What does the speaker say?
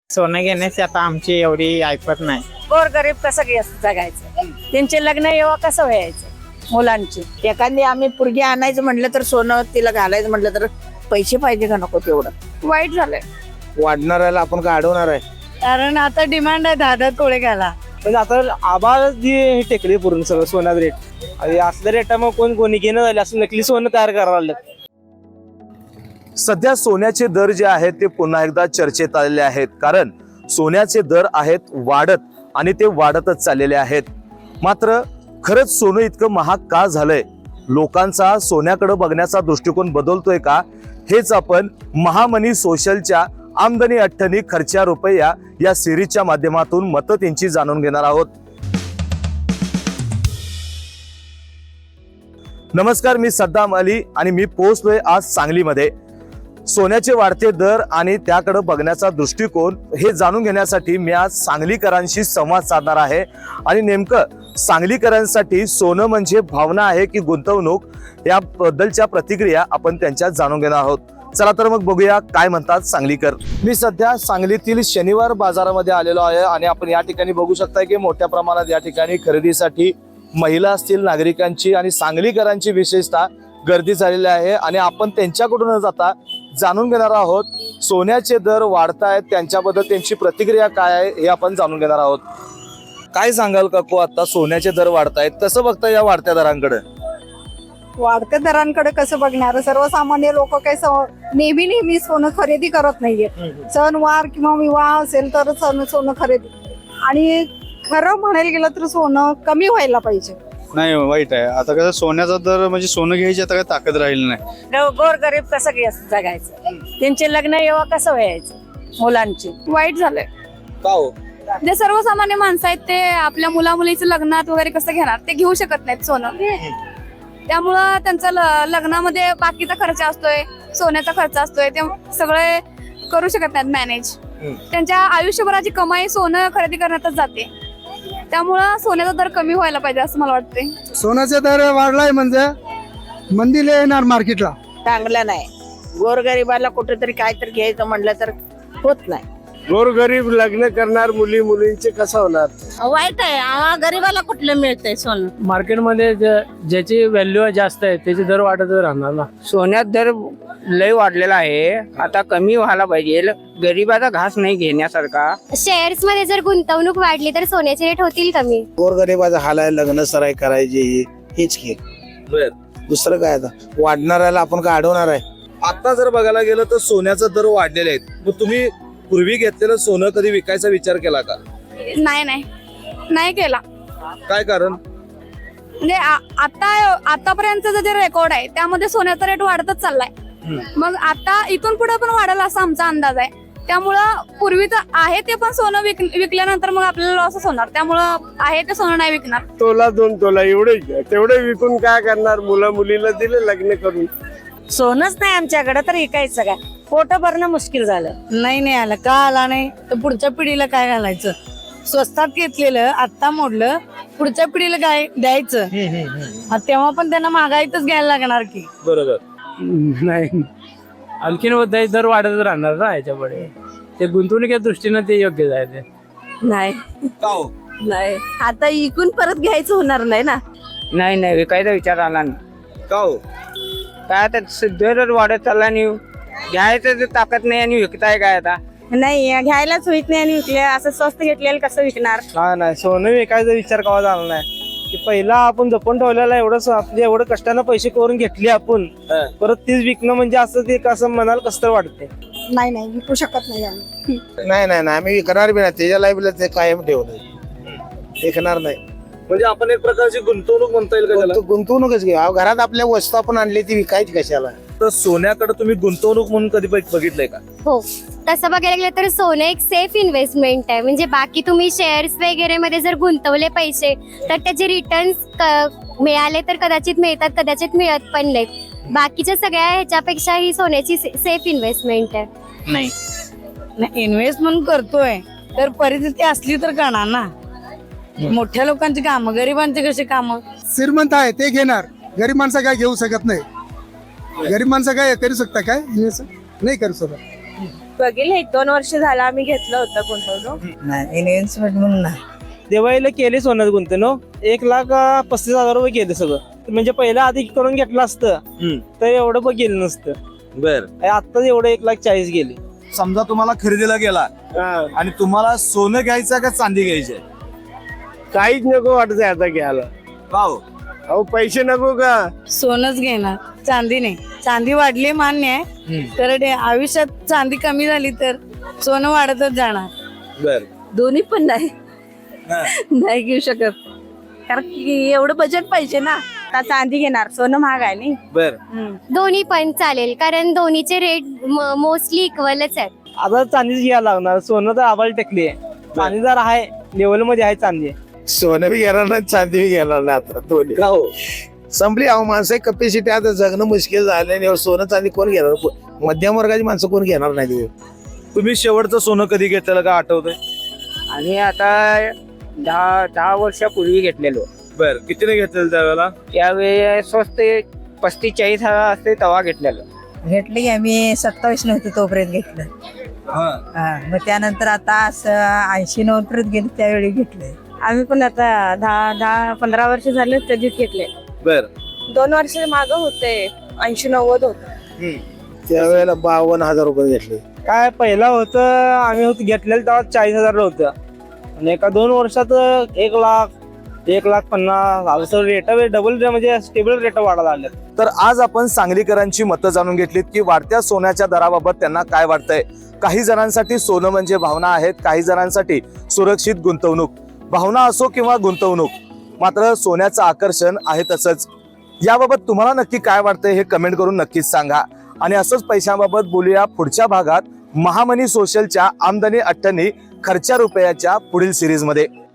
सोनं घेण्याची आता आमची एवढी ऐपत नाही. गोरगरीब कसं जगायचं, त्यांचे लग्न येवा कसं व्हायचं मुलांची. एखादी आम्ही पुरगी आणायचं म्हटलं तर सोनं तिला घालायचं म्हटलं तर पैसे पाहिजे का नको तेवढं. वाईट झालंय, वाढणाऱ्याला आपण का अडवणार आहे. कारण आता डिमांड आहे 10-10 तोळे घाला. म्हणजे आता आबाळ जी टेकली पूर्ण सगळं सोन्याचं रेट आणि असल्या रेटामुळे कोणी घेणं झाले असं नकली सोनं तयार करायला लागलं. सध्या सोन्याचे दर जे आहेत ते पुन्हा एकदा चर्चेत आलेले आहेत, कारण सोन्याचे दर आहेत वाढत आणि ते वाढतच चाललेले आहेत. मात्र खरंच सोनं इतकं महाग का झालंय, लोकांचा सोन्याकडे बघण्याचा दृष्टिकोन बदलतोय का, हेच आपण महामनी सोशलच्या आमदनी अठ्ठनी खर्चा रुपया या सिरीजच्या माध्यमातून मतं त्यांची जाणून घेणार आहोत. नमस्कार, मी सद्दाम अली आणि मी पोहोचलोय आज सांगलीमध्ये. सोन्याचे वाढते दर आणि त्याकडे बघण्याचा दृष्टिकोन हे जाणून घेण्यासाठी मी आज सांगलीकरांशी संवाद साधणार आहे. आणि नेमकं सांगलीकरांसाठी सोनं म्हणजे भावना आहे की गुंतवणूक, याबद्दलच्या प्रतिक्रिया आपण त्यांच्यात जाणून घेणार आहोत. चला तर मग बघूया काय म्हणतात सांगलीकर. मी सध्या सांगलीतील शनिवार बाजारामध्ये आलेलो आहे आणि आपण या ठिकाणी बघू शकता की मोठ्या प्रमाणात या ठिकाणी खरेदीसाठी महिला असतील, नागरिकांची आणि सांगलीकरांची विशेषतः गर्दी झालेली आहे. आणि आपण त्यांच्याकडून न जाता जाणून घेणार आहोत सोन्याचे दर वाढतायत, त्यांच्याबद्दल त्यांची प्रतिक्रिया काय आहे हे आपण जाणून घेणार आहोत. काय सांगाल काकू, आता सोन्याचे दर वाढतायत, कसं बघता या वाढत्या दरांकडे? वाढत्या दरांकडे कसं बघणार, सर्वसामान्य लोक काही नेहमी सोनं खरेदी करत नाहीये. सणवार किंवा विवाह असेल तर सोनं खरेदी. आणि खरं म्हणायला गेलं तर सोनं कमी व्हायला पाहिजे. नाही, वाईट आहे. आता कसं सोन्याचा दर म्हणजे सोनं घ्यायची आता काय ताकद राहिली नाही. गोरगरीब कसं जगायचं, त्यांचे लग्न येवा कसं व्हायचं मुलांची. वाईट झालंय, का हो? जे सर्वसामान्य माणसं आहेत ते आपल्या मुला मुलीचं लग्नात वगैरे कसं घेणार, ते घेऊ शकत नाहीत सोनं. त्यामुळं त्यांचा लग्नामध्ये बाकीचा खर्च असतोय, सोन्याचा खर्च असतोय, ते सगळे करू शकत नाहीत मॅनेज. त्यांच्या आयुष्यभराची कमाई सोनं खरेदी करण्यातच जाते. त्यामुळं सोन्याचा दर कमी व्हायला पाहिजे असं मला वाटतंय. सोन्याचा दर वाढलाय म्हणजे मंदीला येणार मार्केटला. चांगलं नाही, गोरगरिबाला कुठेतरी काहीतरी घ्यायचं म्हटलं तर होत नाही. गोरगरीब लग्न करणार मुलींचे कसं होणार. वाईट आहे, गरीबाला कुठलं मिळतंय सोनं. मार्केटमध्ये ज्याची व्हॅल्यू जास्त आहे त्याचे दर वाढत राहणार ना. सोन्यात दर लय वाढलेला आहे, आता कमी व्हायला पाहिजे. गरीबाचा घास नाही घेण्यासारखा. शेअर्स मध्ये जर गुंतवणूक वाढली तर सोन्याचे रेट होतील कमी. गोरगरीबाचा हाल आहे, लग्न सराई करायची हेच की, दुसरं काय. आता वाढणाऱ्याला आपण का अडवणार आहे. आता जर बघायला गेलं तर सोन्याचा दर वाढलेले आहेत. मग तुम्ही पूर्वी घेतलेलं सोनं कधी विकायचा विचार केला का? नाही केला. काय कारण? म्हणजे आतापर्यंतचा जे रेकॉर्ड आहे त्यामध्ये सोन्याचा रेट वाढतच चाललाय. मग आता इथून पुढे पण वाढेल असा आमचा अंदाज आहे. त्यामुळं पूर्वीचं आहे ते पण सोनं विकल्यानंतर मग आपल्याला लॉसच होणार. त्यामुळं आहे ते सोनं नाही विकणार. तोला 2 तोला एवढे तेवढे विकून काय करणार. मुलीला दिले लग्न करून. सोनच नाही आमच्याकडे तर विकायचं काय, पोट भरणं मुश्किल झालं. नाही आलं का आला नाही तर पुढच्या पिढीला काय घालायचं. स्वस्तात घेतलेलं आता मोडलं, पुढच्या पिढीला काय द्यायचं. तेव्हा पण त्यांना महागाईतच घ्यायला लागणार की. बरोबर. नाही, आणखीन दर वाढत राहणार ना याच्यापुढे. ते गुंतवणुकीच्या दृष्टीनं ते योग्य आहे. ते नाही नाही, आता इकून परत घ्यायचं होणार नाही ना. नाही विकायचा विचार आला नाही. का हो? काय आता दर वाढत चालला आणि घ्यायचं ताकद नाही आणि विकताय काय आता. नाही, घ्यायलाच होत नाही आणि विकले असं स्वस्त घेतलेलं कसं विकणार. नाही, सोनं विकायचा विचार कवा झाला नाही. की पहिला आपण जपून ठेवलेला एवढं कष्टानं पैसे करून घेतले आपण, परत तीच विकणं म्हणजे असं ते कसं मनाला कसं तर वाटते. नाही विकू शकत नाही आम्ही. नाही आम्ही विकणार बी नाही. त्याच्या लाईफला ते कायम ठेवलं, विकणार नाही. म्हणजे आपण एक प्रकारची गुंतवणूक म्हणता येईल का त्याला? गुंतवणूकच घे. घरात आपल्या वस्तू आपण आणली ती विकायची कशाला. तर सोन्याकडे तुम्ही गुंतवणूक म्हणून कधी बघितलंय का? हो, तसं बघायला गेलं तर सोनं एक सेफ इन्व्हेस्टमेंट आहे. म्हणजे बाकी तुम्ही शेअर्स वगैरे मध्ये जर गुंतवले पैसे तर त्याचे रिटर्न्स मिळाले तर कदाचित मिळतात, कदाचित मिळत पण नाहीत. बाकीच्या सगळ्या ह्याच्यापेक्षा ही सोन्याची सेफ इन्व्हेस्टमेंट आहे. नाही, इन्व्हेस्टमेंट करतोय तर परिस्थिती असली तर करणार ना. मोठ्या लोकांची कामं, गरिबांची कशी कामं. श्रीमंत आहे ते घेणार, गरीब माणसं काय घेऊ शकत नाही. गरीब माणसं काय करू शकता काय, नाही करू शकत. बघेल 1-2 वर्ष झाला आम्ही घेतलं होतं गुंतवणूक. नाही इन्व्हेस्टमेंट म्हणून नाही. दिवाळीला केली सोन्यात गुंतवणूक 1,35,000 रुपये केले सगळं. म्हणजे पहिला आधी करून घेतलं असतं तर एवढं पण गेलं नसतं. बर आत्ताच एवढं 1,40,000 गेले. समजा तुम्हाला खरेदीला गेला आणि तुम्हाला सोनं घ्यायचं का चांदी घ्यायची काहीच नको वाटत आता घ्यायला. का हो? अहो पैसे नको का? सोनच घेणार, चांदी नाही. चांदी वाढली मान्य आहे, तर आयुष्यात चांदी कमी झाली तर सोनं वाढतच जाणार. बर दोन्ही पण नाही नाही घेऊ शकत, कारण की एवढं बजेट पाहिजे ना. आता चांदी घेणार, सोनं महाग आहे नाही. बर दोन्ही पण चालेल, कारण दोन्हीचे रेट मोस्टली इक्वलच आहेत. आता चांदीच घ्यायला लागणार. सोनं तर आबाल टेकली आहे, चांदी जर आहे लेवल मध्ये आहे चांदी. सोनं बी घेणार नाही चांदी बी घेणार नाही आता दोन्ही का हो? संपली. अहो माणसं कॅपॅसिटी आता जगणं मुश्किल झालं आणि सोनं चांदी कोण घेणार? मध्यम वर्गाची माणसं कोण घेणार नाही. तुम्ही शेवटचं सोनं कधी घेतलेलं का आठवतंय? आणि आता 10 वर्षापूर्वी घेतलेलो. बर कितीने घेतलेलं त्यावेळेला? त्यावेळी स्वस्त 35-40 हजार असते तेव्हा घेतलेलं. घेतली आम्ही 27 नव्हती तोपर्यंत घेतलं. मग त्यानंतर आता असं 80-90 पर्यंत गेले त्यावेळी घेतले. आम्ही पण आता 10-15 वर्ष झाले कधीच घेतले. बर 2 वर्ष माग होते 80-90 होत. त्यावेळेला 52,000 रुपये घेतले. काय पहिला होतं आम्ही घेतलेलं तेव्हा 40,000 होतं आणि एका 2 वर्षात 1,00,000 1,50,000 असं रेट डबल म्हणजे स्टेबल रेट वाढायला लागले. तर आज आपण सांगलीकरांची मतं जाणून घेतलीत की वाढत्या सोन्याच्या दराबाबत त्यांना काय वाटतंय. काही जणांसाठी सोनं म्हणजे भावना आहेत, काही जणांसाठी सुरक्षित गुंतवणूक. भावना असो किंवा गुंतवणूक, मात्र सोन्याचं आकर्षण आहे तसंच. याबाबत तुम्हाला नक्की काय वाटतंय हे कमेंट करून नक्कीच सांगा. आणि असंच पैशांबाबत बोलूया पुढच्या भागात महामनी सोशलच्या आमदनी अठ्ठनी खर्चा रुपयाच्या पुढील सिरीजमध्ये.